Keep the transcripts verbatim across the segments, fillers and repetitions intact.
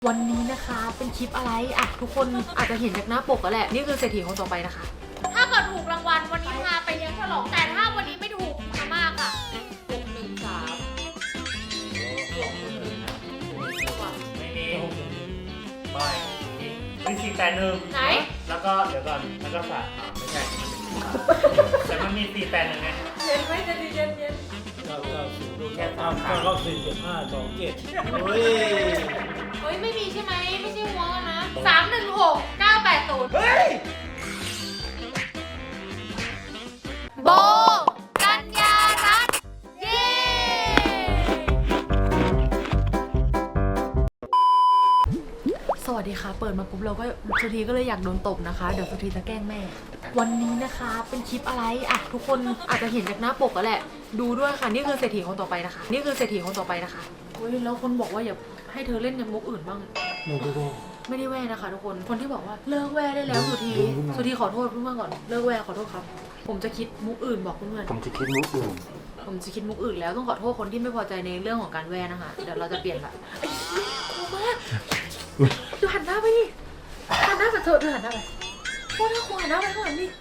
วันนี้นะคะเป็นคลิปอะไรอ่ะทุกคนอาจจะเห็นจากหน้าปกแล้วแหละนี่คือเศรษฐีคนต่อไปนะคะถ้าเกิดถูกรางวัลวันนี้พาไปเลี้ยงฉลองแต่ถ้าวันนี้ไม่ถูกมามากค่ะหกหนึ่งสามหกหนึ่งหนึ่งไม่มีไม่มีสี่แปดหนึ่งไหนแล้วก็เดี๋ยวก่อนแล้วก็สามไม่ใช่แต่มันมีสี่แปดหนึ่งไงเย็นไหมจะดีเย็นเย็นเก้าเก้าศูนย์ดูแค่ตามเก้าสี่เจ็ดห้าสองเจ็ดเฮ้ยเฮ้ยไม่มีใช่ไหมไม่ใช่หัวกันนะสามหนึ่งหกเก้าแปดศูนย์เฮ้ยโบกัญญารัตน์เย้สวัสดีค่ะเปิดมาปุ๊บเราก็สุธีก็เลยอยากโดนตบนะคะเดี๋ยวสุธีจะแกล้งแม่วันนี้นะคะเป็นคลิปอะไรอ่ะทุกคนอาจจะเห็นจากหน้าปกแล้วแหละดูด้วยค่ะนี่คือเศรษฐีคนต่อไปนะคะนี่คือเศรษฐีคนต่อไปนะคะเฮ้ยแล้วคนบอกว่าอย่าให้เธอเล่นยังมุกอื่นบ้างไม่ได้ว่าไม่ได้แว่นะคะทุกคนคนที่บอกว่าเลิกแว่ได้แล้วสุธีสุธีขอโทษเพื่อนๆก่อนเลิกแว่ขอโทษครับผมจะคิดมุกอื่นบอกเพื่อนๆผมจะคิดมุกอื่นผมจะคิดมุกอื่นแล้วต้องขอโทษคนที่ไม่พอใจในเรื่องของการแว่นะคะเดี๋ยวเราจะเปลี่ยนละไอ้กลัวมากดูหันหน้าไปดิหันหน้าแบบเธอเธอหันหน้าไปโคตรน่ากลัวหันหน้าไปข้างหลังดิ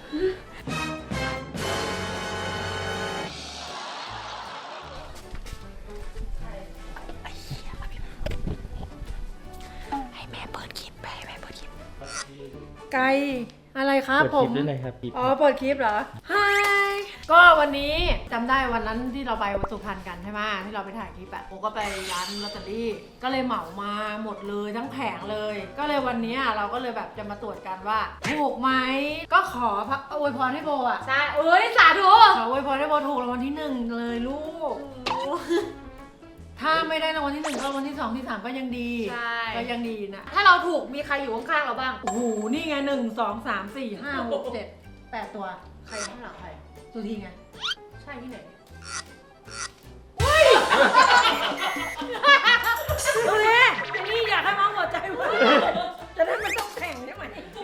ให้แม่เปิดคลิปไปให้แม่เปิดคลิปไกลอะไรครับผมเปิดคลิปด้วยเลยครับอ๋อเปิดคลิปเหรอฮายก็วันนี้จำได้วันนั้นที่เราไปวัดสุพรรณกันใช่ไหมที่เราไปถ่ายคลิปอะผมก็ไปร้านลอตเตอรี่ก็เลยเหมามาหมดเลยทั้งแผงเลยก็เลยวันนี้เราก็เลยแบบจะมาตรวจกันว่าถูกไหมก็ขอพระอวยพรให้โบอะใช่เอ้ยสาธุขออวยพรให้โบถูกรางวัลที่หนึ่งเลยลูกถ้าไม่ได้รางวัลที่หนึ่งก็รางวัลที่สองที่สามก็ยังดีก็ยังดีนะถ้าเราถูกมีใครอยู่ข้างๆเราบ้างโอ้โหนี่ไงหนึ่งสองสามสี่ห้าหกเจ็ดแปดตัวใครข้างหลังใครสุธีไงใช่ที่ไหนเฮ้ยดูแลนี่อยากให้มองหัวใจว่าจะได้ไม่ต้องแข่งใช่ไหม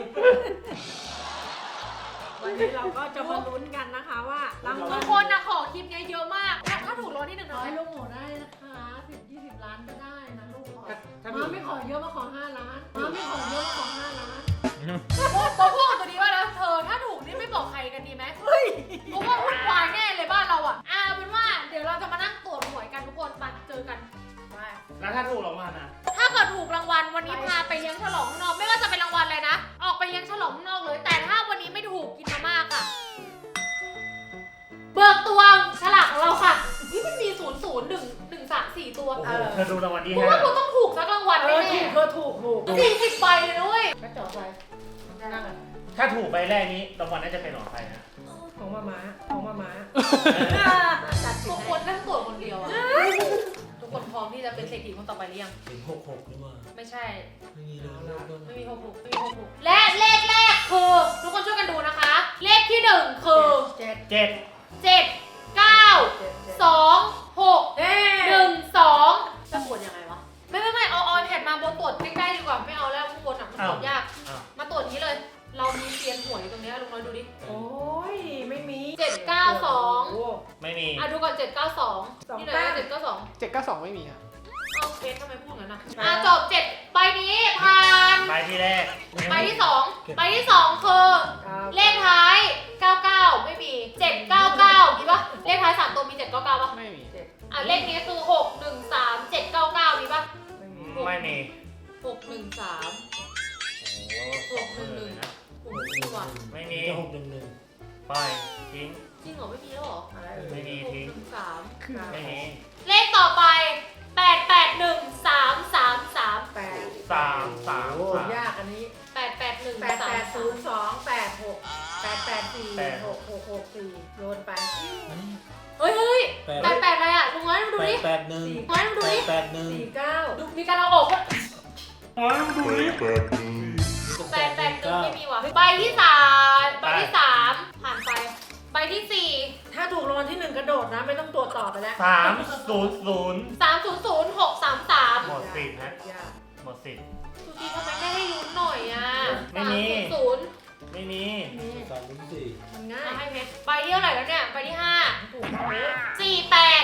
วันนี้เราก็จะมาลุ้นกันนะคะว่าทุกคนนะขอคลิปนี้เยอะมากถ้าถูกรางวัลที่หนึ่งน้อยลูกหมูได้นะคะสิบยี่สิบล้านก็ได้นะลูกมาไม่ขอเยอะมาขอห้าล้านมาไม่ขอเยอะมาขอห้าล้านตัวพวกตัวนี้ว่าแล้วเธอถ้าถูกนี่ไม่บอกใครกันดีไหมเฮ้ยเพราะว่าวุ่นวายแน่เลยบ้านเราอ่ะอ่าเป็นว่าเดี๋ยวเราจะมานั่งตรวจหวยกันทุกคนไปเจอกันแล้วถ้าถูกรางวัลนะถ้าเกิดถูกรางวัลวันนี้พาไปเลี้ยงฉลองข้างนอกไม่ว่าจะเป็นรางวัลอะไรนะออกไปเลี้ยงฉลองข้างนอกเลยแต่ถ้าวันนี้ไม่ถูกกินมาม่าค่ะเบิกตัวฉลากของเราค่ะนี่มันมีศูนย์ศูนย์หนึ่งหนึ่งสามสี่ตัวเธอดูรางวัลที่ห้ากูว่ากูต้องถูกสักรางวัลแน่ๆเธอถูกถูกสี่สิบใบเลยด้วยกระจอกไปนั่งเลยถ้าถูกใบแรกนี้รางวัลน่าจะเป็นของใครนะของมาม้าของมาม้าทุกคนนั่งตรวจคนเดียวอะทุกคนพร้อมที่จะเป็นเศรษฐีคนต่อไปหรือยังเป็นหกหกหรือว่าไม่ใช่ไม่มีเลยไม่มีหกหกไม่มีหกหกและเลขแรกคือทุกคนช่วยกันดูนะคะเลขที่หนึ่งคือเจ็ดเจ็ดเจ็ดเก้าสองหกหนึ่งสองจะตรวจยังไงวะไม่ไม่ไม่เอาเอาแผ่นมาบนตรวจใกล้ๆดีกว่าไม่เอาแล้วข้างบนอ่ะมันตรวจยากมาตรวจนี้เลยเรามีเซียนหวยตรงนี้ลุงน้อยดูดิโอ้ยไม่มีเจ็ดเก้าสองไม่มีอ่ะดูก่อนเจ็ดเก้าสองนี่เลยเจ็ดเก้าสองเจ็ดเก้าสองไม่มีครับเอาเคสทำไมพูดงั้นอ่ะอ่ะจบเจ็ดใบนี้ผ่านใบที่แรกใบที่สองใบที่สองคือเลขท้ายเก้าเก้าไม่มีเจ็ดเก้าเก้ามีปะเลขท้ายสามตัวมีเจ็ดเก้าเก้าปะไม่มีอ่ะเลขนี้คือหกหนึ่งสามเจ็ดเก้าเก้ามีปะไม่มีหกหนึ่งสามหกหนึ่งหนึ่งนะไม่มีหกหนึ่งหนึ่งไปทิ้งจริงเหรอไม่มีแล้วเหรอไม่มีทิ้งสามไม่มีเลขต่อไปแปดแปดหนึ่งสามสามสามแปดสามสามยากอันนี้แปดแปดหนึ่งแปดแปดศูนย์สองแปดหกแปดแปดสี่หกหกหกสี่โยนไปเฮ้ยเฮ้ยแปดแปดอะไรอ่ะลุงน้อยดูดิแปดหนึ่งน้อยดูดิแปดหนึ่งสี่เก้าดูมีการเอาออกน้อยดูดิแปดหนึ่งแปดแปดหนึ่งไม่มีว่ะใบที่สามใบที่สามผ่านไปใบที่สี่ถ้าถูกรางวัลที่หนึ่งกระโดดนะไม่ต้องตรวจต่อไปแล้วสามศูนย์ศูนย์สามศูนย์ศูนย์หกสามสามหมดสิทธิ์นะหมดสิทธิ์สุธีทำไมไม่ให้ลุ้นหน่อยอ่ะไม่มีศูนย์ไม่มีสามลุ้นสี่มันง่ายให้เพชรใบที่เท่าไหร่แล้วเนี่ยใบที่ห้าสี่แปด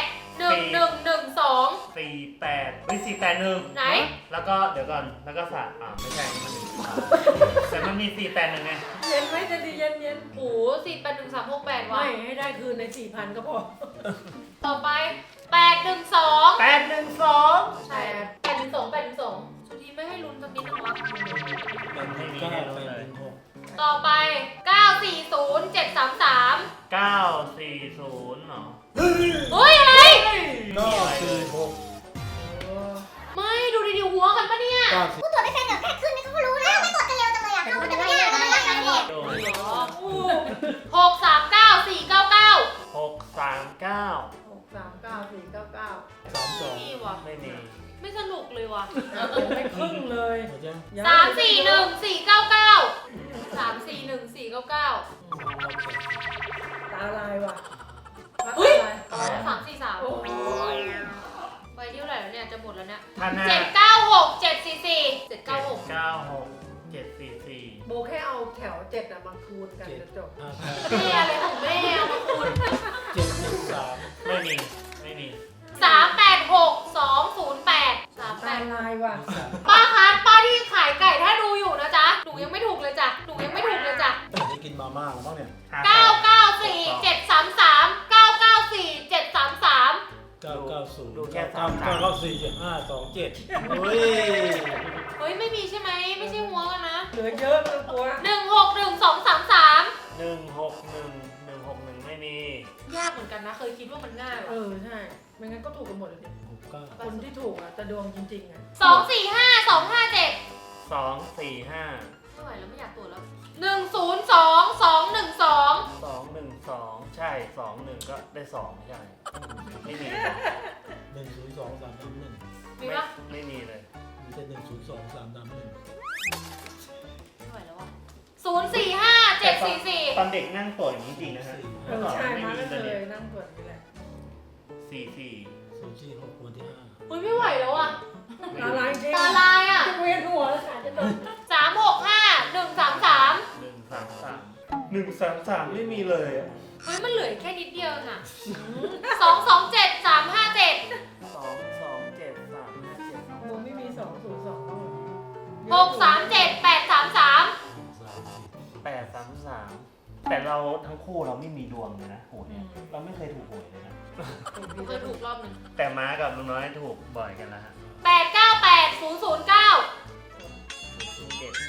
หนึ่งหนึ่งหนึ่งสองสี่แปดไม่สี่แปดหนึ่งไหนแล้วก็เดี๋ยวก่อนแล้วก็สามอ่าไม่ใช่มันหนึ่งแต่มันมีสี่แปดหนึ่งไงเย็นไหมจะดีเย็นเย็นโหสี่แปดหนึ่งสามหกแปดไม่ว่ะให้ได้คืนในสี่พันก็พอต่อไปแปดหนึ่งสองแปดหนึ่งสองใช่แปดหนึ่งสองแปดหนึ่งสองสุธีไม่ให้ลุ้นสักนิดนึงวะเป็นหนึ่งเก้าเป็นหนึ่งหกต่อไปเก้าสี่ศูนย์เจ็ดสามสามเก้าสี่ศูนย์เหรอเฮ้ยอะไรเก้าสี่หกไม่ดูดีๆหัวกันปะเนี่ยเก้าสี่กูตรวจไม่เป็นเดี๋ยวแค่ขึ้นนี่เขาก็รู้แล้วไม่กดกันเร็วจังเลยอ่ะเข้ามันจะไม่ยากมันไม่ยากนะพี่โดนหกสามเก้าสี่เก้าเก้าหกสามเก้าหกสามเก้าสี่เก้าเก้าสามสองนี่ว่ะไม่มีไม่สนุกเลยว่ะไม่ครึ่งเลยหมดยังสามสี่หนึ่งสี่เก้าเก้าสามสี่หนึ่งสี่เก้าเก้าตาลายว่ะเฮ้ยตาลายสามสี่สามโอ้ยไปที่เท่าไหร่แล้วเนี่ยจะหมดแล้วเนี่ยท่านห้าเจ็ดเก้าหกเจ็ดสี่สี่เจ็ดเก้าหกเก้าหกเจ็ดสี่สี่โบแค่เอาแถวเจ็ดอะมาคูณกันจะจบห้าแม่อะไรของแม่เอามาคูณเจ็ดหนึ่งสามไม่มีไม่มีสามแปดหกสองศูนย์แปดสามแปตาดลายว่ะสามป้าคะป้าที่ขายไก่ถ้าดูอยู่นะจ๊ะหนูยังไม่ถูกเลยจ้ะหนูยังไม่ถูกเลยจ้ะได้กินมาม่าแล้วบ้างเนี่ยห้าเก้าเก้าสี่เจ็ดสามสามเก้าเก้าสี่เจ็ดสามสามเก้าเก้าศูนย์ดูแค่เก้าสามเก้าเก้าสี่เจ็ดห้าสองเจ็ดเฮ้ยเฮ้ยไม่มีใช่ไหมไม่ใช่หัวกันนะเหลือเยอะไม่ต้องกลัวหนึ่งหกหนึ่งสองสามสามหนึ่งหกหนึ่งหนึ่งหกหนึ่งไม่มียากเหมือนกันนะ เคยคิดว่ามันง่ายเอว่ะอใช่ไม่งั้นก็ถูกกันหมดเลยดิหกเก้าคนที่ถูกอะจะดวงจริงๆอะสองสี่ห้าสองห้าเจ็ดสองสี่ห้าไม่ไหวแล้วไม่อยากตรวจแล้วหนึ่งศูนย์สองสองหนึ่งสองสองหนึ่งสองใช่สองหนึ่งก็ได้สองใช่ไม่มีหนึ่งศูนย์สองสามสามหนึ่งมีปะไม่มีเลยมีแต่หนึ่งศูนย์สองสามสามหนึ่งไม่ไหวแล้ววะศูนย์สี่ห้าเจ็ดสี่สี่ตอนเด็กนั่งตรวจอย่างนี้จริงนะฮะเออใช่มาก็เคยนั่งตรวจนี่แหละสี่สี่ศูนย์สี่หกวันที่ห้าเฮ้ยไม่ไหวแล้วอ่ะตาลายจริงตาลายอ่ะจะเวียนหัวแล้วค่ะจะโดนสามหกห้าหนึ่งสามสามหนึ่งสามสามหนึ่งสามสามไม่มีเลยอะเฮ้ยมันเหลือแค่นิดเดียวน่ะสองสองเจ็ดสามห้าเจ็ดสองสองเจ็ดสามห้าเจ็ดโบไม่มีสองศูนย์สองหกสามเจ็ดแปดสามสามสามสิบแปดสามสามแต่เราทั้งคู่เราไม่มีดวงเลยนะหวยเนี่ยเราไม่เคยถูกหวยเลยนะเคยถูกรอบหนึ่งแต่ม้ากับลุงน้อยถูกบ่อยกันแล้วฮะแปดเก้าแปดศูนย์ศูนย์เก้าศูนย์เจ็ด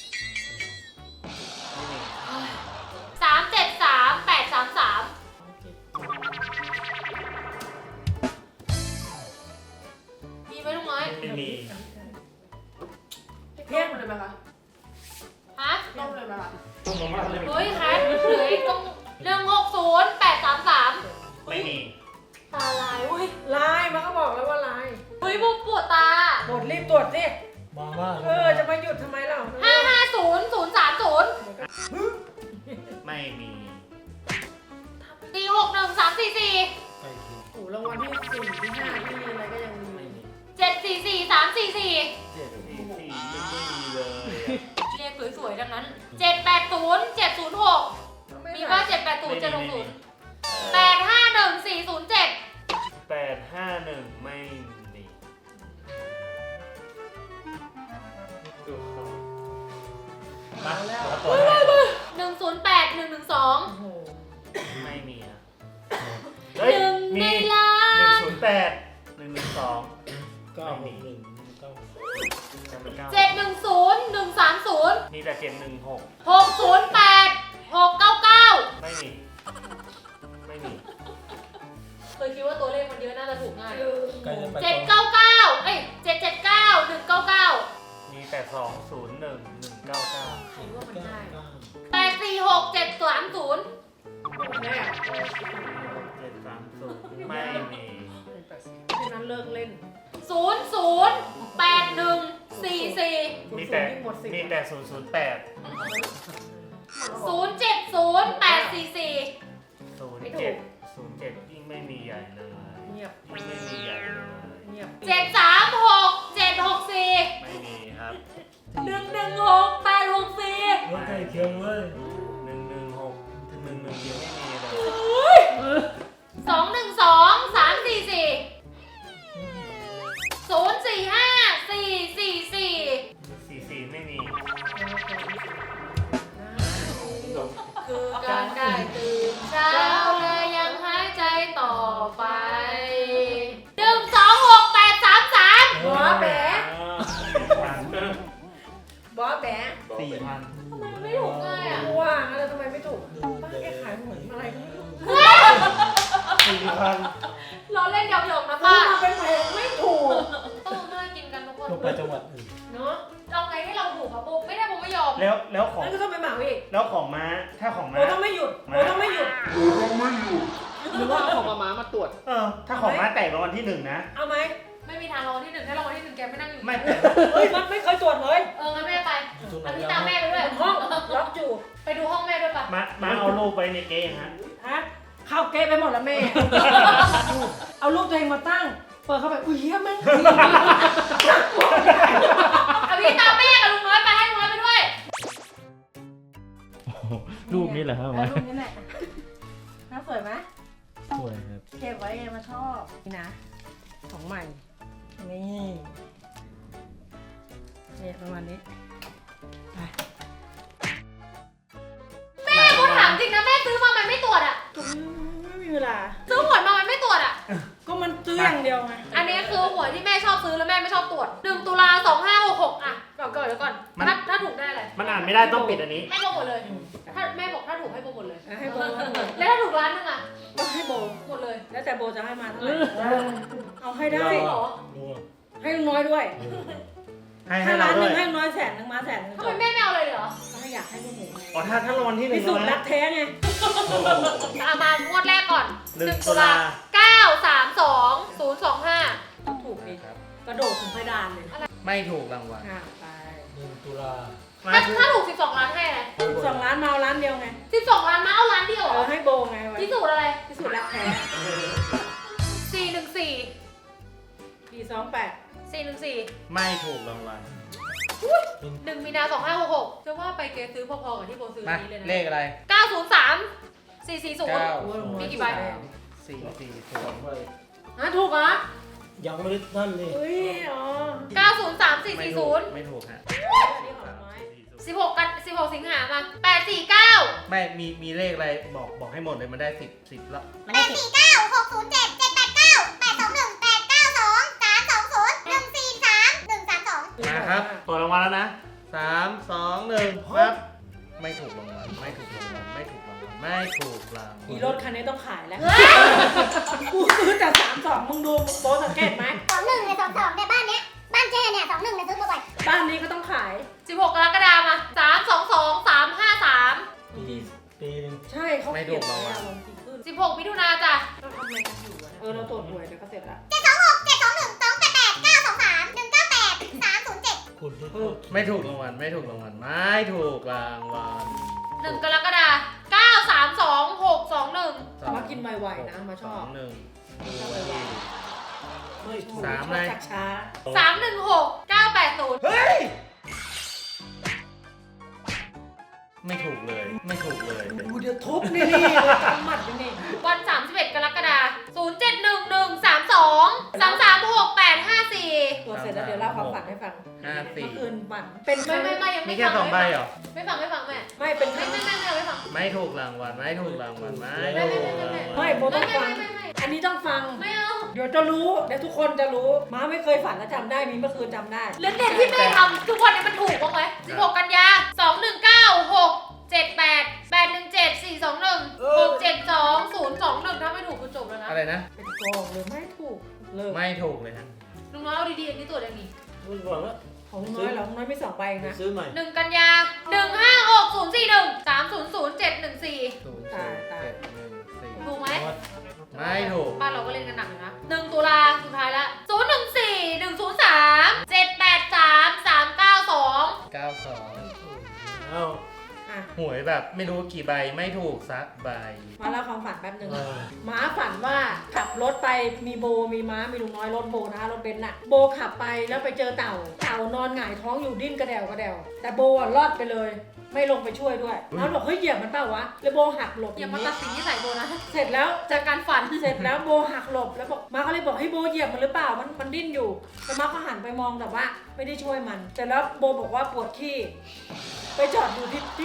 ไม่มีสามเจ็ดสามแปดสามสามมีไหมลุงน้อยไม่มีเที่ยงเลยไหมคะฮะต้มเลยไหมคะต้องลงมาเลยเฮ้ยแคทเหลืออีกตรงหนึ่งหกศูนย์แปดสามสามไม่มีตาลายเว้ยลายมันก็บอกแล้วว่าลายเฮ้ยบุมปวดตาหมดรีบตรวจสิมาม่าเออจะมาหยุดทำไมเล่าห้าห้าศูนย์ศูนย์สามศูนย์ไม่มีสี่หกหนึ่งสามสี่สี่ใกล้เคียงโอ้รางวัลที่สี่ที่ห้าที่อะไรก็ยังมีไม่มีเจ็ดสี่สี่สามสี่สี่เจ็ดสี่สี่ยังไม่มีเลยอะเรียกสวยๆดังนั้นเจ็ดแปดศูนย์เจ็ดศูนย์หกมีว่าเจ็ดแปดศูนย์เจ็ดหกศูนย์แปดห้าหนึ่งสี่ศูนย์เจ็ดแปดห้าหนึ่งไม่มีมาแล้วตัวแรกหนึ่งศูนย์แปดหนึ่งหนึ่งสองโอ้โหไม่มีอะหนึ่งในล้าหนึ่งนศูนย์แปดหนึ่งหนึ่งสองเก้าหกหนึ่งเก้าจำเป็นเก้าเจ็ดหนึ่งศูนย์หนึ่งสามศูนย์มีแต่เจ็ดหนึ่งหกหกศูนย์แปดหกเก้าเก้าไม่มี ไม่มีเคยคิดว่าตัวเลขมันเยอะน่าจะถูกง่ายใกล้จะไปเจ็ดเก้าเก้าเอ้ยเจ็ดเจ็ดเก้าหนึ่งเก้าเก้ามีแต่สองศูนย์หนึ่งหนึ่งเก้าเก้าคิดว่ามันเก้าง่ายเก้าแปดสี่หกเจ็ดสามศูนย์แน่เจ็ดสามศูนย์ไม่มีแค่นั้นเลิกเล่นศูนย์ศูนย์แปดหนึ่งสี่สี่มีแต่หมดสิทธิ์มีแต่ศูนย์ศูนย์แปดศูนย์เจ็ดศูนย์แปดสี่สี่ศูนย์เจ็ดศูนย์เจ็ดยิ่งไม่มีใหญ่เลยเงียบยิ่งไม่มีใหญ่เลยเงียบเจ็ดสามหกเจ็ดหกสี่ไม่มีครับหนึ่งหนึ่งหกแปดหกสี่รถใกล้เคียงเว้ยหนึ่งหนึ่งหกถึงหนึ่งหนึ่งยังไม่มีเลยสองหนึ่งสองสามสี่สี่บอสแบะสี่พันทำไมมันไม่ถูกง่ายอ่ะว่าแล้วทำไมไม่ถูกป้าแกขายเหมือนอะไรก็ไม่รู้สี่พันเราเล่นหยอกๆนะป้าป้ามาเป็นแผงไม่ถูกต้องน่ากินกันทุกคนทั่วไปจังหวัดอื่นเนาะเอาไงให้เราถูกครับปุ๊บไม่ได้ผมไม่ยอมแล้วแล้วของนั่นก็ต้องไปเหมาอีกแล้วของม้าถ้าของโบม้าต้องไม่หยุดโบต้องไม่หยุดหรือว่าเอาของมาม้ามาตรวจเออถ้าของม้าแตกรางวัลที่หนึ่งนะเอาไหมไม่มีทางรางวัลที่หนึ่งถ้ารางวัลที่หนึ่งแกไม่นั่งอยู่ไม่แต่เฮ้ยมันไม่เคยตรวจเลยเอองั้นแม่ไปทุกอันนนี้ตามแม่ไปด้วยบนห้องล็อกอยู่ไปดูห้องแม่ด้วยปะม้าม้าเอาลูกไปในเกมฮะฮะเข้าเกไปหมดแล้วแม่ เอารูปตัวเองมาตั้ง เปิดเข้าไปอุ้ยเฮียแม่งเอาพี่ตามแม่กับลุงน้อยไปให้ลุงน้อยไปด้วยรูปนี้แหละครับแล้วรูปนี้แหละน่าสวยไหมสวยครับเก็บไว้ไงมาชอบนี่นะของใหม่นี่เนี่ยประมาณนี้ไปแม่กูถามจริงนะแม่ซื้อมามันไม่ตรวจอ่ะไม่มีเวลาซื้อหวยมามันไม่ตรวจอ่ะก็มันซื้ออย่างเดียวไงอันนี้คือหวยที่แม่ชอบซื้อแล้วแม่ไม่ชอบตรวจหนึ่งตุลาสองห้าหกหกอ่ะก่อนก่อนเดี๋ยวก่อนถ้าถ้าถูกได้อะไรมันอ่านไม่ได้ต้องปิดอันนี้ให้โบหมดเลย ถ้าแม่บอกถ้าถูกให้โบหมดเลยให้โบให้โบแล้วถ้าถูกร้านนึงอ่ะก็ให้โบหมดเลยแล้วแต่โบจะให้มาเท่าไหร่เอาให้ได้จริงเหรอดูอ่ะให้ลุงน้อยด้วยให้ให้ถ้าเราร้านหด้นึ่วยงให้ลุงน้อยแสนหนึ่งมาแสนหนึ่งทำไมแม่ไม่เอาเลยเหรอก็ให้อยากให้พวกหนูไงอ๋อถ้าถ้ารางวัลที่หนึ่พิงสูจน์รันะกแท้ไงเอามางวดแรกก่อนหนึ่งตุลาเก้าสามสองศูนย์สองห้าถูกดีกระโดดถึงเพดานเลยไม่ถูกรางวัลอ่ะไปหนึ่งตุลามาถ้าคือถ้าถูกสิบสองล้านให้อะไรสองล้านมาเอาล้านเดียวไงสิบสองล้านมาเอาล้านเดียวเอเหรออให้โบไงไว้พิสูจน์อะไรพิสูจน์รักแท้สี่หนึ่งสี่ปีสองแปดสี่หนึ่งสี่ไม่ถูกรางวัลหนึ่งมีนาสองห้าหกหกจะว่าไปเกซื้อพอๆกับที่โบซื้อมานี้เลยนะเลขอะไรเก้าศูนย์สามสี่สี่ศูนย์เก้ามีกี่ใบสามสี่สี่ศูนย์อ่ะถูกเหรอยังไม่ได้นั่นนี่อุ้ยอ๋อเก้าศูนย์สามสี่ไม่สี่ถูศูกนย์ไม่ถูกฮะนี่ของน้อยสิบหกกันสิบหกสิงหามาแปดสี่เก้าไม่มีมีเลขอะไรบอกบอกให้หมดเลยมันได้สิบสิบแล้วแปดสี่เก้าหกศูนย์เจ็ดเจ็ดแปดเก้าแปดสองหนึ่งแปดเก้าสองสามสองศูนย์หนึ่งสี่สามหนึ่งสามสองมาครับตัวรางวัลแล้วนะสามสองหนึ่งปั๊บไม่ถูกรางวัลไม่ถูกรางวัลไม่ถูกรางวัลไม่ถูกรางวัอีลรถคันนี้ต้องขายแล้วกูซื้อแต่สามสองมึงดูโบสังเกตไหมสองหนึ่งเนี่ยสองสองเนี่ยบ้านเนี้ยบ้านเจ๊เนี่ยสองหนึ่งเนี่ยซื้อมาบ่อยบ้านนี้ก็ต้องขายสิบหกกรกฎาคมมาสามสองสองสามห้าสามปีปีหนึงใช่เขาเขียนไว้อะลงทีขึ้นสิบหกมิถุนาจ้ะเราทำอะไรกันอยู่อะเออเราตรวจหวยเดี๋ยวก็เสร็จละเจ็ดสองหกเจ็ดสองหนึ่งสองแปดแปดเก้าสองสามหนึ่งเก้าแปดสามศูนย์เจ็ดคุณที่ไม่ถูกรางวัลไม่ถูกรางวัลไม่ถูกรางวัลหนึ่งกรกฎาคมเก้าสามสองหกสองหนึ่งมากินไวๆนะมาชอบสองหนึ่งไม่ชอบสามชอบเลยจากช้าสามหนึ่งหกเก้าแปดศูนย์เฮ้ยไม่ถูกเลยไม่ถูกเลยดูเดี๋ยวทุบนี่นี่เราทำหมัดอยู่นี่วันสามสิบเอ็ดกรกฎาคมศูนย์เจ็ดหนึ่งหนึ่งสามสองสามสามหกแปดห้าสี่ตรวจเสร็จแล้วเดี๋ยวเล่าความฝันให้ฟังห้าสี่เมื่อคืนฝันเป็นคไม่รั้งไม่ไม่ยังมีไม่แค่ฟังสองใบเหรอไม่ฟังไม่ฟังแม่ไม่เป็นคไม่รั้งไม่ไม่ไม่ไม่ฟังไม่ถูกรางวัลไม่ถูกรางวัลไม่ไม่ถูไม่กไม่รางไม่วัลไม่โบไม่ต้องไม่ฟังไม่ไม่อันนี้ต้องฟังไม่เอาเดี๋ยวจะรู้เดี๋ยวทุกคนจะรู้ม้าไม่เคยฝันและจำได้มีเมื่อคืนจำได้เรื่องเด่นที่แม่ทำทุกวันนี้มันถูกบ้างไหมสิบหกกันยาสองหนึ่งเก้าหกเจ็ดแปดแปดหนึ่งเจ็ดสี่สองหนึ่งหกเจ็ดสองศูนย์สองหนึ่งถ้าไม่ถูกคือจบแล้วนะอะไรนะเป็นโกงเลยไม่ถูกเลยไม่ถูกเลยฮะลุงน้อยเอาดีๆอันนี้ตรวจยังไงรู้ก่อนว่าของน้อยเหรอของน้อยมีสองใบเองนะซื้อใหม่หนึ่งกันยาหนึ่งห้าหกศูนย์สี่หนึ่งสามศูนย์ศูนย์เจ็ดหนึ่งสี่ศูนย์ศูนย์เจ็ดหนึ่งสี่ถูกไหมไม่ถูกบ้านเราก็เล่นกันหนักอยู่นะหนึ่งตุลาสุดท้ายละศูนย์หนึ่งสี่หนึ่งศูนย์สามเจ็ดแปดสามสามเก้าสองเก้าสองเอ้าอ่ะหวยแบบไม่รู้กี่ใบไม่ถูกสักใบมาเล่าความฝันแป๊บหนึงเออม้าฝันว่าขับรถไปมีโบมีม้ามีลุงน้อยรถโบนะคะรถเบนซ์น่ะโบขับไปแล้วไปเจอเต่าเต่านอนหงายท้องอยู่ดิ้นกระเดวกระเดวแต่โบอ่ะรอดไปเลย ไม่ลงไปช่วยด้วยแล้วบอกเฮ้ยเหยียบมันเปล่าวะแล้วโบหักหลบออย่าย่างมานี้ตัดสินที่ใส่โบนะเสร็จแล้วจากการฝันเสร็จแล้วโบหักหลบแล้วบอกม้าก็เลยบอกให้โบเหยียบมันหรือเปล่ามันมันดิ้นอยู่แต่ม้าก็หันไปมองแต่ว่าไม่ได้ช่วยมันเสร็จแล้วโบบอกว่าปวดขี้ไปจอดอยู่ที่ที่ร้าน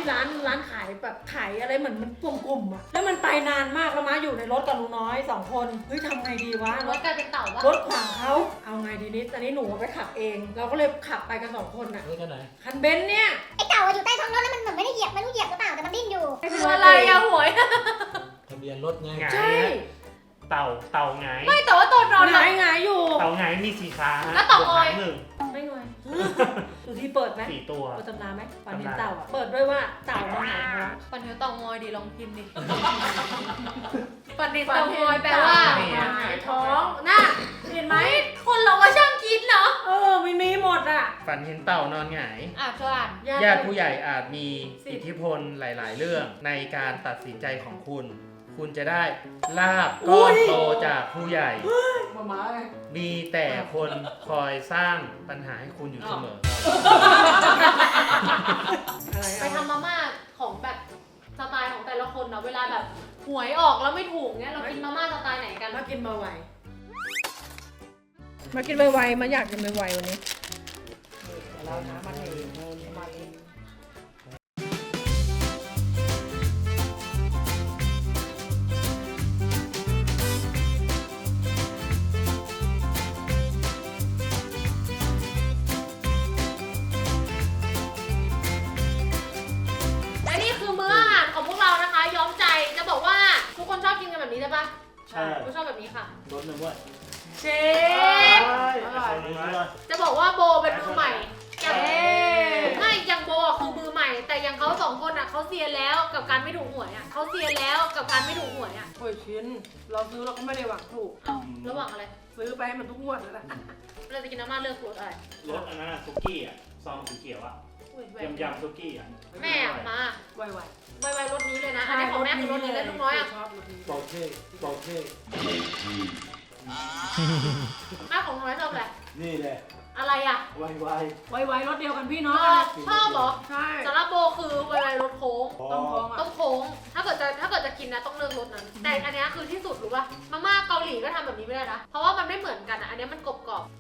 ร้านขายแบบขายอะไรเหมือนมันกลุ่มๆอะแล้วมันไปนานมากแล้วม้าอยู่ในรถกับลุงน้อยสองคนเฮ้ยทำไงดีวะรถกลายเป็นเต่าปะรถขวางเขาเอาไงดีนิดตอนนี้หนูไปขับเอง เราก็เลยขับไปกันสองคนอะรถคันไหนคันเบนซ์เนี่ยไอ้เต่าอะอยู่ใต้ท้องรถแล้วมันเหมือนไม่ได้เหยียบไม่รู้เหยียบหรือเปล่าแต่มันดิ้นอยู่คืออะไรอะหวยทะเบียนรถไงไงใช่เต่าเต่าไงไม่แต่ว่าตอนนอนหหลับงายหงายอยู่เต่าไงมีสีขาฮะแล้วเต่าออยบวกหางหนึ่งไม่งอยดูที่เปิดไหมสี่ตัวเปิดตำนานไหมฝันเห็นเต่าอะเปิดด้วยว่าเต่ามันหงายท้องปันเทวเต่างอยดีลองพิมพ์ดิปันเทวเต่างอยแปลว่าหงายท้องน่ะเห็นไหมคนเราก็ช่างคิดเนาะเออไม่มีหมดอะฝันเห็นเต่านอนหงายอ่ะเธออ่านญาติผู้ใหญ่อาจมีอิทธิพลหลาย ๆ เรื่องในการตัดสินใจของคุณ คุณจะได้ลาบก้อนโตจากผู้ใหญ่มาม้าไงมีแต่คนคอยสร้างปัญหาให้คุณอยู่เสมออะไรไปทำมาม่าของแบบสไตล์ของแต่ละคนเนาะเวลาแบบหวยออกแล้วไม่ถูกเนี้ยเรากินมาม่าสไตล์ไหนกันมากินมาไวมากินไวๆมาอยากกินไวๆวันนี้เราน้ำมันเองมาเองและนี่คือมื้ออาหารของพวกเรานะคะ ย้อมใจจะบอกว่าทุกคนชอบกินกันแบบนี้ใช่ปะใช่กูชอบแบบนี้ค่ะรถหนึ่งด้วยเชฟอร่อยจะบอกว่าโบเป็นมือใหม่อย่างไม่อย่างโบอ่ะคือมือใหม่ แต่อย่างเขาสองคนอ่ะเขาเซียนแล้วกับการไม่ถูกหวยอ่ะเขาเซียนแล้วกับการไม่ถูกหวยอ่ะโอ้ยชิ้น เราซื้อเราก็ไม่ได้หวังถูกเอ้าระหว่างอะไรซื้อไปให้มันทุกงวดแล้วแหละเราจะกินน้ำมันเลือกรสอะไรรถอันนั้นอะซุกี้อะซองสีเขียวอะอุ้ยแหวนยำยำซุกี้อะแม่อะมาไวไวๆรสนี้เลยนะ อันนี้ของแม่คือรสนี้เลยลูกน้อยอ่ะชอบรสนี้โปเช่โปเช่แม่ของน้อยชอบอะไรนี่แหละอะไรอ่ะไวไวไวๆรสเดียวกันพี่น้องชอบชอบเหรอใช่สำหรับโบคือไวๆรสโค้งพอต้องพองต้อ่ะองโค้ง ถ้าเกิดจะถ้าเกิดจะกินนะต้องเลือกรสนั้น แต่อันเนี้ยคือที่สุดรู้ป่ะ มาม่าเกาหลีก็ทำแบบนี้ไม่ได้นะ เพราะว่ามันไม่เหมือนกันอ่ะ อันเนี้ยมันกรอบกรอบ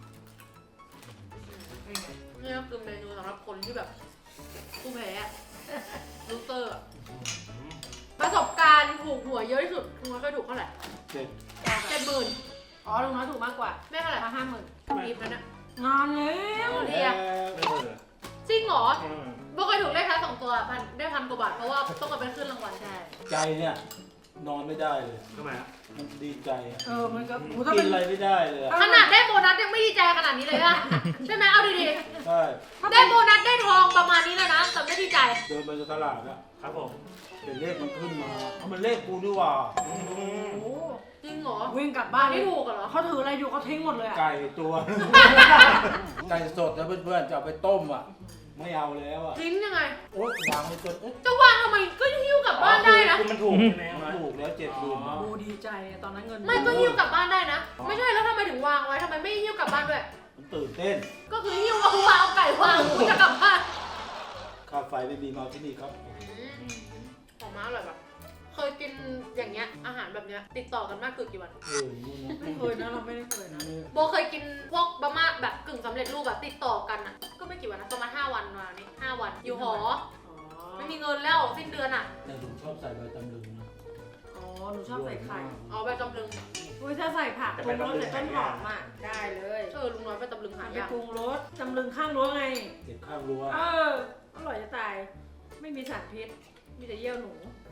ๆนี่ก็คือเมนูสำหรับคนที่แบบผู้แพ้อะลูเตอร์อะประสบการณ์ถูกหวยเยอะที่สุดคุณเคยถูกเท่าไหร่เจ็ดเจ็ดหมื่นอ๋อลุงน้อยถูกมากกว่าแม่เท่าไหร่ห้าหมื่นรีบแล้วนะงานแล้วเรียกไม่เบอร์จริงเหรออืมโบเคยถูกเลขท้ายสองตัวพันได้พันกว่าบาทเพราะว่าต้องเอาไปขึ้นรางวัลใช่ใจเนี่ยนอนไม่ได้เลยทำไมครับมันดีใจอะเออมันก็โหถ้ากิเป็น นอะไรไม่ได้เลยอะขนาดได้โบนัสยังไม่ดีใจขนาดนี้เลยอะใช่ไหมเอาดีใช่ๆได้โบนัสได้ทองประมาณนี้เลยนะแต่ไม่ดีใจเดินไปตลาดอะครับผมเห็นเลขมันขึ้นมาเอามันเลขกูนี่หว่าโอ้โหจริงเหรอวิ่งกลับบ้าบ้าน นไม่ถูกเหรอเขาถืออะไรอยู่เขาทิ้งหมดเลยอ่ะไก่ตัว ไก่สดนะเพื่อนๆจะเอาไปต้มอะไม่เอาแล้วอะทิ้งยังไงโอ๊ยวางไว้จนเอ๊ะจะวางทำไมก็หิ้วกลับบ้านได้นะคือมันถูกใช่ไหมมันถูกแล้วเจ็ดหมื่นนะโอ้ดีใจอะตอนนั้นเงินไม่ก็หิ้วกลับบ้านได้นะ ไม่ใช่แล้วทำไมถึงวางไว้ทำไมไม่หิ้วกลับบ้านด้วยมันตื่นเต้นก็คือหิ้วเอาวางเอาไก่วางกูจะกลับบ้านค่าไฟไม่มีมาที่นี่ครับของม้าอร่อยปะเคยกินอย่างเงี้ยอาหารแบบเนี้ยติดต่อกันมากคือกี่วันเออนู่นนะไม่เคยนะเราไม่ได้เคยนะโบเคยกินพวกบะหม่าแบบกึ่งสำเร็จรูปแบบติดต่อกันอ่ะ ก็ไม่กี่วันนะประมาณห้าวันมานี่ห้าวัน อยู่หออ๋อไม่มีเงินแล้วสิ้นเดือนอ่ะแต่ผมชอบใส่ใบตำลึงนะอ๋อหนูชอบใส่ไข่เอาไปตำลึงอุ้ยถ้าใส่ผักปรุงรสใส่ต้นหอมอ่ะได้เลยเออลุงน้อยไปตำลึงหาไปยากปรุงรสจำลึงข้างรั้วไงเก็บข้างรั้วเอออร่อยจะตาย ไม่มีสารพิษ มีแต่เยี่ยวหนู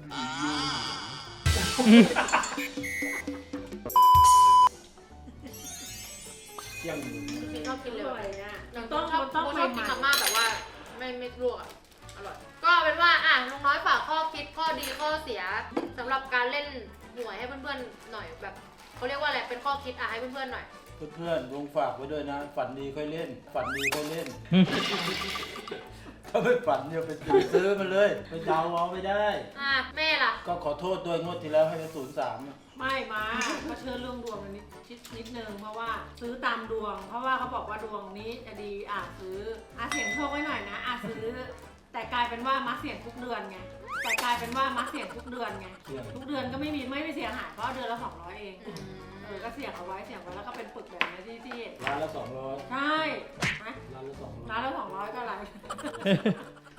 เที่ยงหนึ่งจริงๆชอบกินอเลยร่อยอ่ะอย่างต้องชอบมันต้องโบใหชอบกินม่มาม่าแบบว่าไม่ไม่ลวกอ่ะ อร่อย ก็เป็นว่าอ่ะลุงน้อยฝากข้อคิดข้อดีข้อเสียสำหรับการเล่นหวยให้เพื่อนๆหน่อยแบบเขาเรียกว่าอะไรเป็นข้อคิดอ่ะให้เพื่อนๆหน่อยเพื่อนๆลงฝากไว้ด้วยนะ ฝันดีค่อยเล่น ฝันดีค่อยเล่น ถ้าไม่ฝันเนี่ยไปซื้อมาเลย ไปเดาเอาไม่ได้อ่ะแม่ล่ะก็ขอโทษด้วยงวดที่แล้วให้ไปศูนย์สามไม่มาก็เชื่อเรื่องดวงนิดนิดนิดนึงเพราะว่าซื้อตามดวง เพราะว่าเขาบอกว่าดวงนี้จะดีอ่ะซื้ออ่ะเสี่ยงโชคไว้หน่อยนะอ่ะซื้อ แต่กลายเป็นว่ามัดเสี่ยงทุกเดือนไงแต่กลายเป็นว่ามัดเสี่ยงทุกเดือนไงเที่ยงทุกเดือนก็ไม่มีไม่มีเสียหายเพราะเดือนละสองร้อยเองเออก็เสี่ยงเอาไว้เสี่ยงไว้แล้วก็เป็นปึกแบบนี้ที่ที่ร้านละสองร้อยใช่ไหมร้านละสองร้อยร้านละสองร้อยก็ไร คือหมายถึง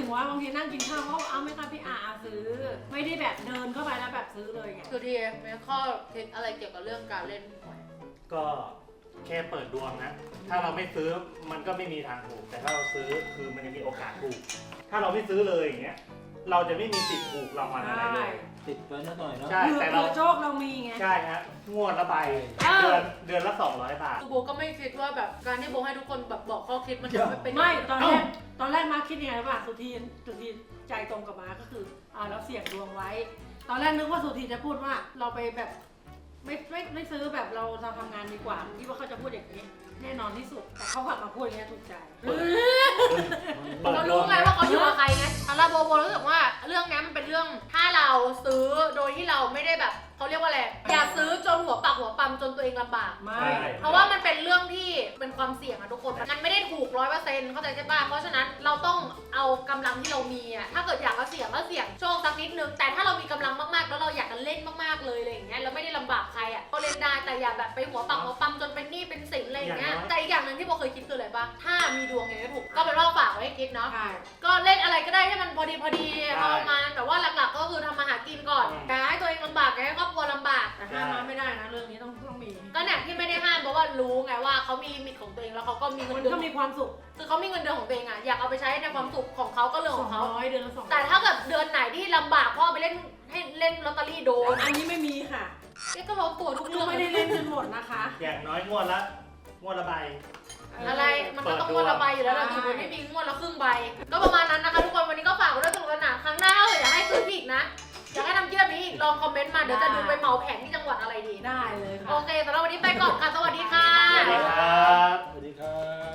งว่าบางทีนั่งกินข้าวเขาเอาไหม่ค่ะพี่อาซื้อ ไม่ได้แบบเดินเข้าไปแล้วแบบซื้อเลยไงสุธีมีข้อคิดอะไรเกี่ยวกับเรื่องการเล่นหวยก็แค่เปิดดวงนะ ถ้าเราไม่ซื้อมันก็ไม่มีทางถูก แต่ถ้าเราซื้อคือมันจะมีโอกาสถูก ถ้าเราไม่ซื้อเลยอย่างเงี้ย เราจะไม่มีสิทธิ์ถูกรางวัลอะไรเลยติดไปนิดหน่อยเนาะใช่เผื่อแต่เราเผื่อโชคเรามีไงใช่ฮะ งวดละใบ เดือนเดือนละสองร้อยบาทคือโบก็ไม่คิดว่าแบบการที่โบให้ทุกคนแบบบอกข้อคิดมันจะไม่เป็นไม่ตอนแรกตอนแรกมาคิดยังไงรู้ป่ะสุธีสุธีใจตรงกับมาก็คืออ่าเราเสี่ยงดวงไว้ ตอนแรกนึกว่าสุธีจะพูดว่าเราไปแบบไม่ไม่ไม่ซื้อแบบเราเราทำงานดีกว่าคิดว่าเขาจะพูดอย่างนี้ แน่นอนที่สุดแต่เขากลับมาพูดอย่างนี้ถูกใจเรารู้ไงว่าเขาอยู่กับใครไงแต่เราโบโบรู้สึกว่าเรื่องนี้มันเป็นเรื่องถ้าเราซื้อโดยที่เราไม่ได้แบบเขาเรียกว่าอะไรอย่าซื้อจนหัวปักหัวปั๊มจนตัวเองลำบากไม่ใช่เพราะว่ามันเป็นเรื่องที่เป็นความเสี่ยงอะทุกคน มันไม่ได้ถูกร้อยเปอร์เซ็นต์เข้าใจใช่ป่ะ เพราะฉะนั้นเราต้องเอากำลังที่เรามีอะถ้าเกิดอยากจะเสี่ยงก็เสี่ยงโชคสักนิดนึง แต่ถ้าเรามีกำลังมากๆแล้วเราอยากจะเล่นมากๆเลยอะไรอย่างเงี้ยเราไม่ได้ลำบากใครอะก็เล่นได้แต่อย่าแบบไปหัวปักหัวปั๊มจนเป็นหนี้เป็นสินอะไรอย่างเงี้ย แต่อีกอย่างหนึ่งที่โบเคยคิดคืออะไรป่ะ ถ้ามีดวงอย่างนี้ถูกก็เป็นว่าฝากไว้ให้คิดเนาะใช่ก็เล่นอะไรก็ได้ให้มันพอดีพอดีพอประมาณแต่ว่าหลักๆก็คือทำมาหากินก่อนอย่าให้ตัวเองลำบากอย่าให้ครอบครัวลำบากแต่ห้ามมาไม่ได้นะเรื่องนี้ต้องต้องมีก็เนี่ยที่ไม่ได้ห้ามเพราะว่ารู้ไงว่าเขามีลิมิตของตัวเองแล้วเขาก็มีเงิมัน นเดือก็นมีความสุขคือเขามีเงินเดือนของตัวเองอะอยากเอาไปใช้ในความสุขของเขาก็เรื่องสขออง งเขาร้อยเดือนละสองแต่ถ้าเกิดเดือนไหนที่ลำบากพ่อไปเล่นให้เล่นลอตเตอรี่โดนอันนี้ไม่มีค่ะเอ๊ะก็ร้อนตัวทุกก็เรื่องไม่ได้เล่นจนหมดนะคะอย่างน้อยงวดละงวดละใบอะไรมันก็ต้องงวดละใบอยู่แล้วเราถือว่าไม่มีงวดละครึ่งใบ ก็ประมาณนั้นนะคะทุกคนวันนี้ก็ฝากไว้ด้วยสนุกสนานครั้งหน้าถ้าเกิดอยากให้ซื้ออีกนะอยากให้ทำเยี่ยมนี้อีกลองคอมเมนต์มาเดี๋ยวจะดูไปเหมาแผงที่จังหวัดอะไรดีได้เลยค่ะโอเคสำหรับวันนี้ไปก่อนค่ะสวัสดีค่ะสวัสดีครับสวัสดีครับ